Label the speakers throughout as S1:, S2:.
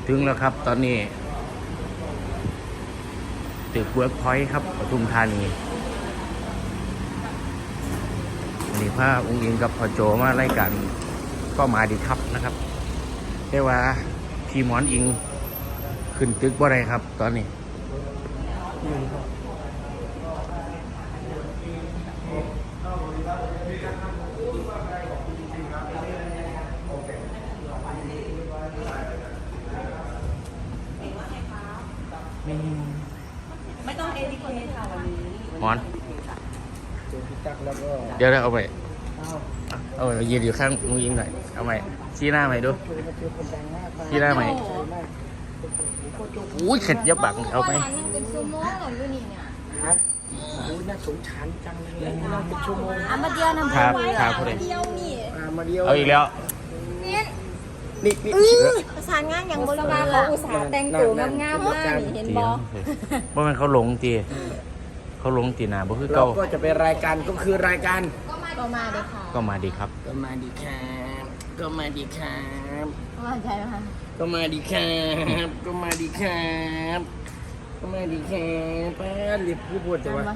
S1: ถึงแล้วครับตอนนี้ตึกเวิร์กพอยต์ครับปทุมธานีวันนี้พาองค์อิงกับพ่อโจมาไล่กันก็มาดีครับนะครับแต่ว่าพี่หมอนอิงขึ้นตึกบ่ได้ครับตอนนี้
S2: ไม่ต้องเอทีเคค่ะวันนี้
S1: หมอน
S3: เดี๋ยวพี่ตักแล้วก็
S1: เดี๋ยวเอาไปเอาไปยืนอยู่ข้างองค์อิงหน่อยเอาไปชี้หน้าใหม่ดูชี้หน้าใหม่อุ้ยเข็ดยับบังเอาไป
S4: นั่งเป็นชั่วโมงหรออยู่นี่เนี่ย
S3: ครับโอ้ยน่าสงสารจังเลยนั่งเป็นชั่วโมง
S4: อามาเดียวน้ำ
S1: ครับ
S4: ไว้
S1: ครับ
S4: มาเดียวนี่
S3: มาเดียว
S1: เอาอีกแล้ว
S4: เนี่ย
S3: นี่
S4: ประสานงานอย่างบริวารเขาอุตส่าห์แต่งตัวงามๆมากนี่เห็นบอ
S1: เพราะมันเขาหลงตีเขาหลงตีหนาบ่คือ
S3: เรา
S1: เก่า
S3: ก็จะเป็นรายการก็คือรายการ
S4: ก็มาเลยค่ะ
S1: ก็มาดีครับ
S3: ก็มาดีครับก็มาดีครับ
S4: ว่าใจไหมคะ
S3: ก็มาดีครับก็มาดีครับก็มาดีครับป้าเรียบผู้พูดจะว่า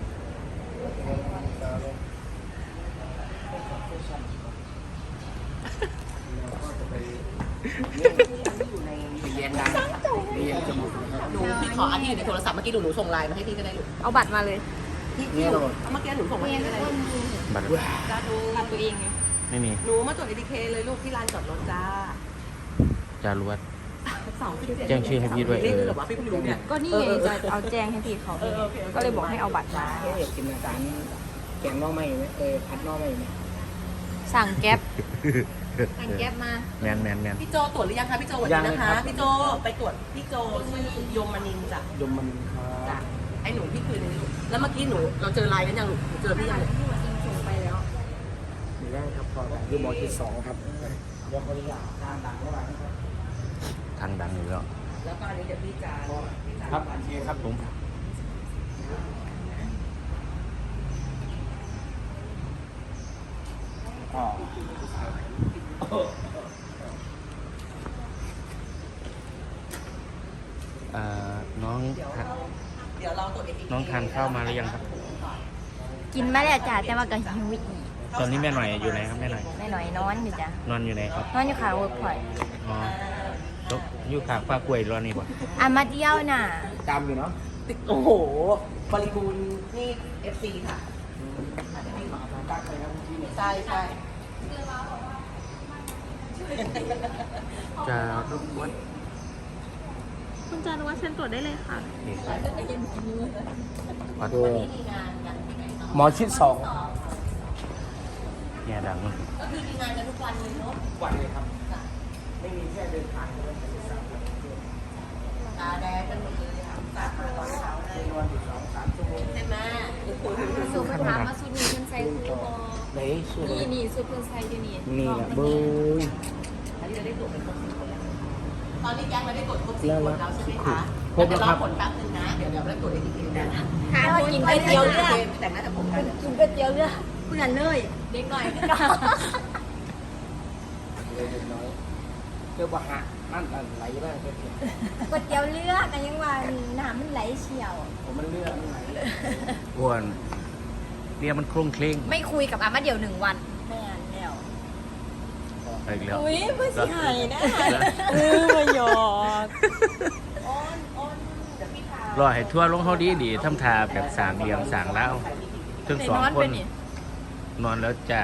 S3: เรียนดังเรียนจมูกนะครับ
S2: หนูพี่ขออันที่อยู่ในโทรศัพท์เมื่อกี้หนูส่งไลน์มาให้พี่ก็ได้ลูก
S4: เอาบัตรมาเลย
S2: พี่หนูเมื่อกี้หนูส่งมาให้ก็ได้
S1: บัตร
S2: จ้าดู
S4: บัตรตัวเองไง
S1: ไม่มี
S2: หนูมาตรวจเอทีเคเลยลูกที่ลานจอดรถจ้า
S1: จารวด
S2: 2-7
S1: แจ้งชื่อให้พี่ด้วย
S2: เรียกเลยเหรอวะพี่เพิ่งรู้เนี่ย
S4: ก็นี่ไงจะเอาแจ้งให้พี่เขาก็เลยบอกให้เอาบัตรมา
S3: กินอาหารแกงน่อไม้ไหมผัดน่อไม้ไหม
S4: สั่งแก๊ปสั่งแก๊ปมา
S1: แมน
S2: พี่โจตรวจหรือยังคะพี่โจวันนี้นะคะพี่โจไปตรวจพี่โจชื่อยมนินทร์จ้ะ
S3: ยมมันค
S2: จ้ะ
S3: รับ
S2: ไอ้หนูพี่คืนนี้ลูกแล้วเมื่อกี้หนูเราเจอไลน์กันยังลูกหนูเจอพี่ยัง
S4: ที่มาอิงส่งไปแล้ว
S3: มีแรกครับพอคือหมอที่2ครับเดี๋ยวขออนุญาตทางดังเข้าไปนะครับ
S1: ทางดังอยู่แล้ว
S2: แล้วก็อันนี้เดี๋ยวพี่จาน
S3: ครับโอเคครับผม อ๋อ
S1: น้อง
S2: เดี๋ยวเราตรวจเอที
S1: น้องทานข้าวมาหรือยังครับ
S4: กินมาแล้วจ้ะแต่ว่าก็หิวอีก
S1: ตอนนี้แม่หน่อยอยู่ไหนครับแม่หน่อย
S4: แม่หน่อยนอนอยู่จ้ะ
S1: นอนอยู่ไหนครับ
S4: นอนอยู่ขาเวิร์กพอยต์
S1: อ๋อตกอยู่ขางฟ้ากล้วยรอนี่บ่
S4: อามาเดียวน่ะ
S3: จำอยู่เนาะ
S2: โอ้โหบริบูรณ์นี่ FC ค่ะ
S3: ตักเลยครับที่นี่
S2: ใช่ใช่
S1: จะรบกวน
S5: คุณจารุวัฒน์เชิญตรวจได้เลยค่ะ
S1: ขอโท
S3: คือ
S1: ษ
S3: หมอชิด2
S1: เนี่ยดัง
S2: ก็คือมีงานกันทุกวันเลยเนาะ
S3: วันเลยครับ ไม่มีแค่เดินทางเท่านั้น
S2: ตาแดงกันหมดเลยค่ะตามาตอนเช้าเลย
S3: นอนอยู่2-3 ชั่วโมง
S2: ใช่ไหม
S4: สูบเพิ่นถามมาสุดนี้เพิ่นใส่คู่บอ
S3: ไหนสุด
S4: นี่สุดเพิ่นใส่อยู่นี่
S3: นี่แหละเบย
S2: อันนี้เราได้ตรวจเป็นครบ10 คนแล้วตอนนี้แก๊งเราได้ตรวจครบ10 คนแล้วใช่ไหมคะ
S3: ครบแล้วครับ
S2: เดี๋ยวรอผลแป๊บนึงนะ เดี๋ยวเราตรวจ ATK กัน
S4: ทานกินก๋วยเตี๋ยวเรือ
S2: แต่งหน้าแต่ผมกัน
S4: กินก๋วยเตี๋ยวเรือเพื่อนเลยเด็กหน่อยก็
S3: เลยเด็กน้อยเรียกว่าหะนั่นไหลบ้างก็เถอะ
S4: ก๋วยเตี๋ยวเรือกันยังว่าน้ำมันไหลเฉียว
S3: ผมมันเลือดมันไหลเลย
S1: อ้วนเนี่ยมันโครงเคร่ง
S4: ไม่คุยกับอามาเดี๋ยว1 วันแม่นแล้ว
S1: เอาอีกแล้ว
S4: อุ้ยเพื่อสิหายนะ
S1: แล้ว
S4: มาหยอก
S1: รอให้ทั่วลงเขาดีทำทาแบบสางเหลี่ยมสางเล้าถึง
S4: ไป
S1: สอง
S4: นอน
S1: ค
S4: ไป
S1: น
S4: นี่
S1: นอนแล้วจ้า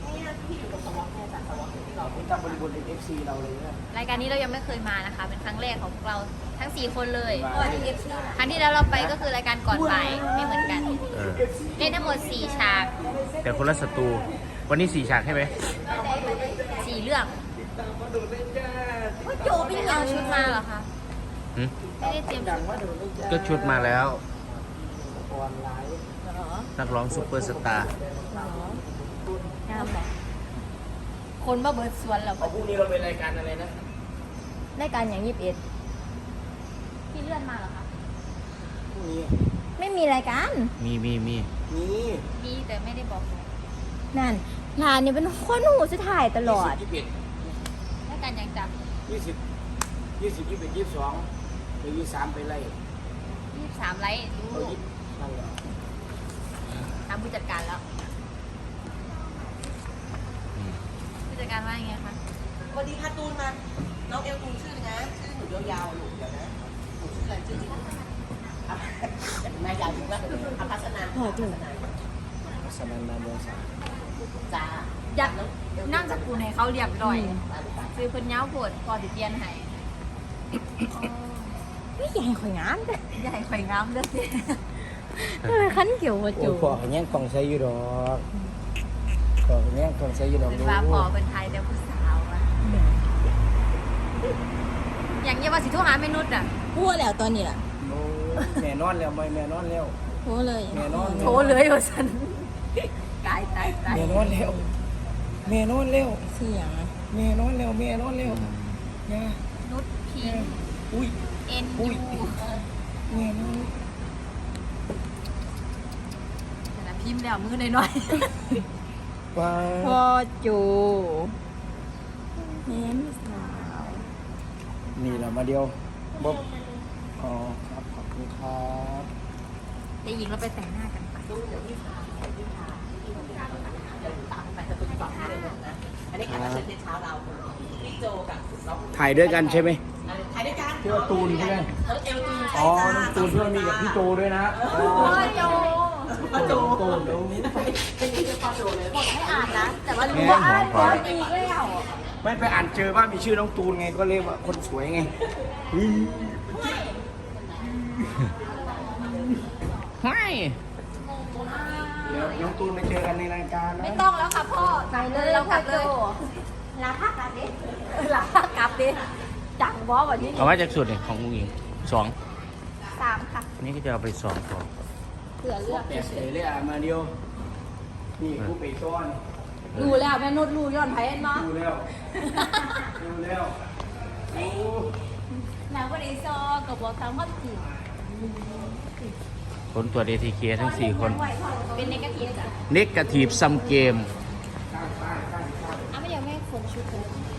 S3: ผมจำบริบทเอฟซีเราเลยนะ
S4: รายการนี้เรายังไม่เคยมานะคะ เป็นครั้งแรกของพวกเราทั้ง 4 คนเลย
S3: ว้าว
S4: ครั้งที่แล้วเราไปก็คือรายการก่อนบ่ายไม่เหมือนกัน
S1: เออ
S4: เล่นทั้งหมด4 ฉาก
S1: แต่คนละศัตรูวันนี้4 ฉากใช่ไหม
S4: 4 เรื่องโจไม่ได้เอาชุดมาเหรอคะ
S1: หึ
S4: ไม่ได้เตรียมชุด
S3: ว่าเดี๋ยวนี้จะ
S1: ก็ชุดมาแล้ว
S3: ออนไลน์
S4: เหรอ
S1: นักร้องซุปเปอร์สตาร์
S4: งามบอกคนมาเบิดสวนแล้ว
S3: พรุ่งนี้เราเป็นรายการอะไรนะ
S4: รายการอย่าง21พี่เลื่อนมาเหรอคะ
S3: พรุ่งนี้
S4: ไม่มีรายการ
S1: มี
S3: นี่
S4: มีแต่ไม่ได้บอกนั่นลานเนี่ยเป็นคนหูจะถ่ายตลอด
S3: 21
S4: รายการยังจับ
S3: 20 20 21 22ไป23ไปไล่
S4: 23ไลค์รู้
S3: เอา20นั่นแหละ
S4: ตามผู้จัดการแล้วผู้จัดการว่ายังไงคะ
S2: วันนี้ค่ะตูนมา น้องเอลตูนชื่อนะ ชื่อหนูยาวๆลูกเดี๋ยวนะหนูชื่ออะไรชื่อจริงแม่ยาวจริงว่าอภัสนันท์
S3: สนันนาเมืองสา
S2: จ้า
S4: อยากนั่งสกุลให้เขาเรียบร้อยคือเพิ่นเย้าปวดพอสิเปลี่ยนให้
S5: ไม่ใหญ่ข่อยงามเด้อ
S4: ใหญ่ข่อยงามเด้อสิ
S5: คันเกี่ยวว่า
S3: โอ้
S5: จู
S3: พ่อแย่งกล่องใส่อยู่ดอกพ่อแย่งกล่องใส่อยู่ดอก
S4: เป็นว่าพอเป็นไทยแต่ผู้สาวอะอย่างเงี้ยว่าสิโทรหาแม่นุชอ่ะ
S5: พูดแล้วตอนนี้ล่ะ
S3: โอ้แม่นอนแล้วแม่นอนแล้ว
S5: พูดเลย
S3: แม่นอน
S4: โทรเลยว่าฉันตาย
S3: แม่นอนแล้วแม่นอนแล้ว
S5: เสียง
S3: แม่นอนแล้วแม่นอนแล้วย่า
S4: นุชพิง
S3: อุ้ย
S4: เอ็น
S3: อุ้
S4: ยู
S3: ย แม่นอน
S4: แต่พิมพ์แล้วมือหน่อย
S3: ว้า
S5: พ่อจูแม่ไม่สาว
S3: นี่แหละมาเดียวบ๊อบอ๋อครับขอบคุณครับ
S4: ๆแต่หญิงเราไปแต่งหน้ากันไป
S2: ตูนเดี๋ยวพี่พาพี่พาพี่ทำงานเดี๋ยวตามไปจะตูนก่อนเลยนะอันนี้แขกรับเชิญในเช้าเราพี่โจกับน้อง
S3: ถ่ายด้วยกันใช่ไหม
S2: ถ่ายด้วยกัน
S3: พี่ว่าตูนใช่ไหม
S2: เอลตูน
S3: อ๋อน้องตูนเพื่อนมีกับพี่โจด้วยนะ
S4: พ่อโจ
S2: โจ
S3: ตูนเดี๋ยว
S2: เป็นที่พ่อโจเลย
S4: ไม่อ่านนะ แต่ว่ารู้ว่าอ่านก่อนอีกแล้ว
S3: ไม่ไปอ่านเจอว่ามีชื่อน้องตูนไงก็เรียกว่าคนสวยไง
S1: ไม่
S3: เดี๋ยวน้องตูนไปเจอกันในรายการนะ
S4: ไม่ต้องแล้วค่ะพ่อกลับเลยเรากลับเลยลาพักกลับดิลาพักกลับดิจังบอสวันนี้
S1: เอาไว้จากสุดเนี่ยของอุ้งอิง2
S4: 3ค่ะ
S1: นี่ก็จะเอาไป2ต่อ
S4: เผื่อเลือก
S3: แต่เฉยเลยอ่ะมาเดียว นี่ผู้ไปต้อน
S4: รู้แล้วแม่นุชรู้ย้อนไผ่เนาะ
S3: ดูแล้วดูแล้วโอ้
S4: หนังวันนี้ซอกับบอกตามความจริง
S1: ผลตรวจ ATK ทั้ง 4 คน
S4: เป็นเนกาทีฟจ้ะ
S1: Negative Sum Game
S4: ไม่ยังไม่ขนชุดเลย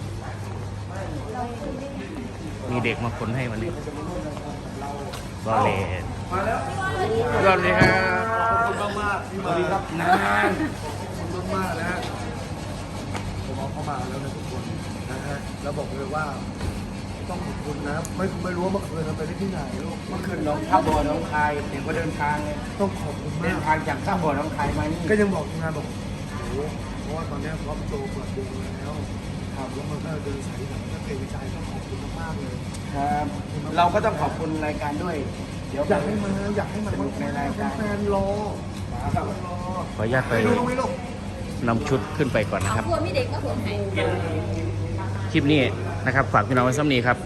S1: มีเด็กมาขนให้วันนี้บอลเลน
S3: มาแล้ว
S1: สวัสดีครับ
S6: ขอบคุณมากๆที่
S3: ส
S6: มา
S3: วัสดีครับนาน
S6: ขอบคุณมากๆนะฮะผมเอาเข้ามาแล้วนะทุกคนนะฮะแล้วบอกเลยว่าต้องขอบคุณนะไม่รู้ว่าเมื่อคืนเราไปที่ไหนลูก
S3: เมื่อคืนน้องท่าบ่อน้องคายเด็กก็เดินทางไง
S6: ต้องขอบคุณ
S3: เดิ
S6: มาน ก
S3: ทางจากท่าบ่อน้องคายมานี่
S6: ก็ยังบอกทีมงานบอกโอ้โหเพราะว่าตอนนี้พร้อมโตเปิดวงแล้วครับแล้วมันก็เดินสายแบบก็เกรงใจต้องขอบคุณมากๆเลย
S3: ครับ เราก็ต้องขอบคุณรายการด้วย เดี๋ยว
S6: อยากให้มัน
S3: ในรายการ
S6: แฟนๆรอ
S3: ครับ
S6: รอ
S1: ขออนุญาตไป
S6: ไปดูตรงนี้ลูก
S1: นำชุดขึ้นไปก่อนนะครับ
S4: พวกมีเด็กมาขนให้
S1: คลิปนี้นะครับฝากพี่น้องไว้ซ้ำนี้ครับ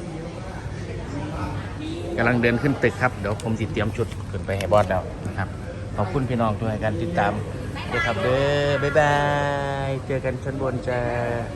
S1: กำลังเดินขึ้นตึกครับ เดี๋ยวผมติดเตรียมชุดขึ้นไปให้บอสแล้วนะครับ ขอบคุณพี่น้องด้วยการติดตามด้วยครับเด้อบ๊ายบาย เจอกันชั้นบนจ้า